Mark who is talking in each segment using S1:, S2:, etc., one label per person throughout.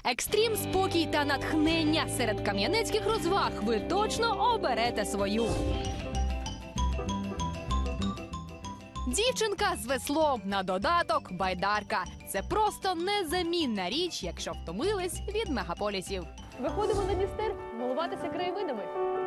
S1: Екстрім, спокій та натхнення. Серед кам'янецьких розваг ви точно оберете свою. Дівчинка з веслом, на додаток байдарка. Це просто незамінна річ, якщо втомились від мегаполісів.
S2: Виходимо на Дністер милуватися краєвидами.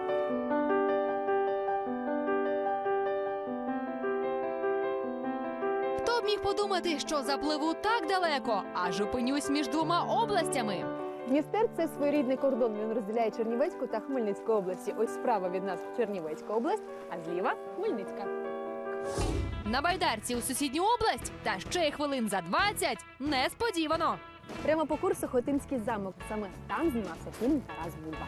S1: Хто б міг подумати, що запливу так далеко, аж опинюсь між двома областями.
S2: Дністер – це своєрідний кордон. Він розділяє Чернівецьку та Хмельницьку області. Ось справа від нас Чернівецька область, а зліва – Хмельницька.
S1: На байдарці у сусідню область, та ще й хвилин за 20 – несподівано.
S2: Прямо по курсу Хотинський замок. Саме там знімався фільм «Тарас Бульба».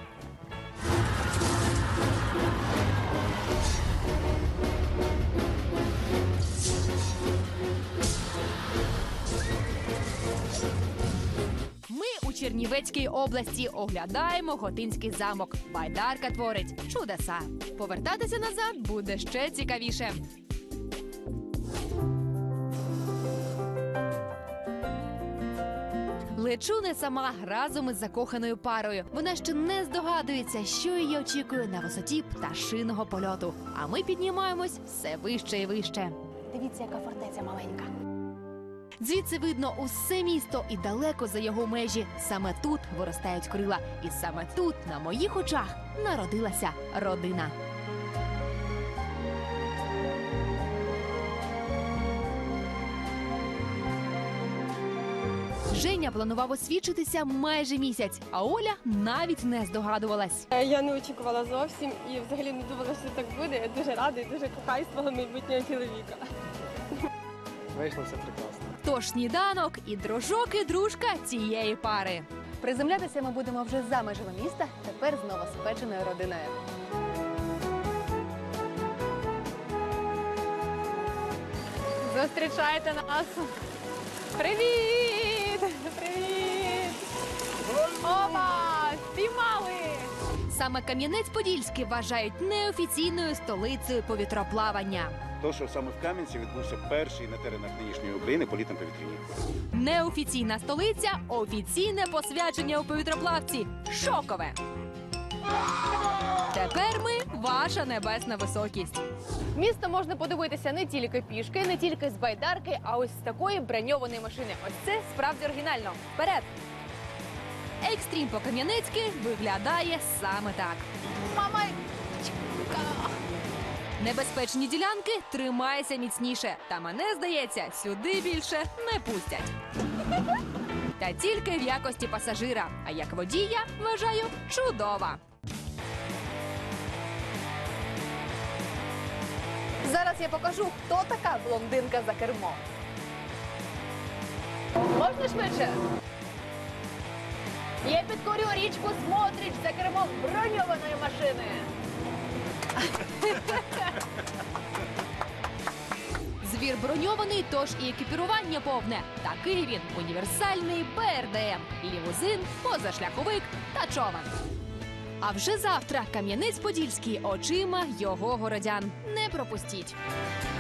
S1: Ми у Чернівецькій області оглядаємо Хотинський замок. Байдарка творить чудеса. Повертатися назад буде ще цікавіше. Лечу не сама, разом із закоханою парою. Вона ще не здогадується, що її очікує на висоті пташиного польоту. А ми піднімаємось все вище і вище.
S2: Дивіться, яка фортеця маленька.
S1: Звідси видно усе місто і далеко за його межі. Саме тут виростають крила. І саме тут, на моїх очах, народилася родина. Женя планував освідчитися майже місяць, а Оля навіть не здогадувалась.
S3: Я не очікувала зовсім і взагалі не думала, що так буде. Я дуже рада і дуже кохаю свого майбутнього чоловіка.
S4: Вийшло все прекрасно.
S1: Тож сніданок і дружок, і дружка цієї пари.
S2: Приземлятися ми будемо вже за межами міста, тепер з новоспеченою родиною. Зустрічайте нас! Привіт! Привіт! Опа! Спіймали!
S1: Саме Кам'янець-Подільський вважають неофіційною столицею повітроплавання.
S5: То, що саме в Кам'янці відбувся перший на теренах нинішньої України політ на повітряні.
S1: Неофіційна столиця – офіційне посвячення у повітроплавці. Шокове! Тепер ми – ваша небесна високість.
S2: Місто можна подивитися не тільки пішки, не тільки з байдарки, а ось з такої броньованої машини. Ось це справді оригінально. Вперед!
S1: Екстрім по-кам'янецьки виглядає саме так.
S2: Мама!
S1: Небезпечні ділянки – тримайся міцніше. Та мене, здається, сюди більше не пустять. Та тільки в якості пасажира. А як водія, вважаю, чудова.
S2: Зараз я покажу, хто така блондинка за кермом. Можна швидше? Я підкорю річку Смотрич за кермом броньованої машини.
S1: Звір броньований, тож і екіпірування повне. Такий він – універсальний БРДМ, лімузин, позашляховик та човен. А вже завтра Кам'янець-Подільський очима його городян. Не пропустіть!